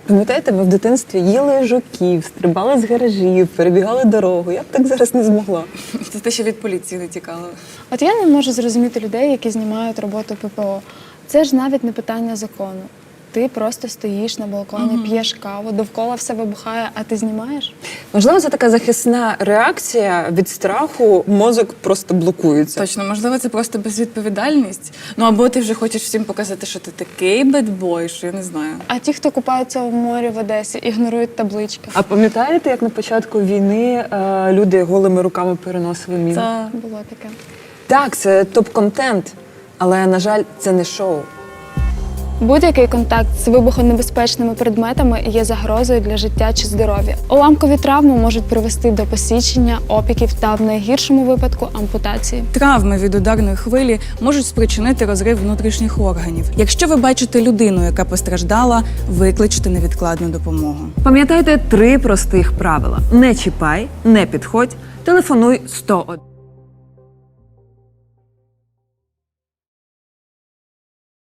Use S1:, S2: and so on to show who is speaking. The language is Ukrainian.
S1: Пам'ятаєте, ми в дитинстві їли жуків, стрибали з гаражів, перебігали дорогу. Я б так зараз не змогла.
S2: Це те, що від поліції не тікало.
S3: От я не можу зрозуміти людей, які знімають роботу ППО. Це ж навіть не питання закону. Ти просто стоїш на балконі, п'єш каву, довкола все вибухає, а ти знімаєш?
S1: Можливо, це така захисна реакція від страху, мозок просто блокується.
S2: Точно, можливо, це просто безвідповідальність. Ну або ти вже хочеш всім показати, що ти такий бедбой, що я не знаю.
S3: А ті, хто купаються в морі в Одесі, ігнорують таблички.
S1: А пам'ятаєте, як на початку війни люди голими руками переносили міни?
S2: Це
S3: Було таке.
S1: Так, це топ-контент, але, на жаль, це не шоу.
S3: Будь-який контакт з вибухонебезпечними предметами є загрозою для життя чи здоров'я. Уламкові травми можуть привести до посічення, опіків та в найгіршому випадку ампутації.
S2: травми від ударної хвилі можуть спричинити розрив внутрішніх органів. Якщо ви бачите людину, яка постраждала, викличте невідкладну допомогу.
S1: Пам'ятайте 3 простих правила. Не чіпай, не підходь, телефонуй 101.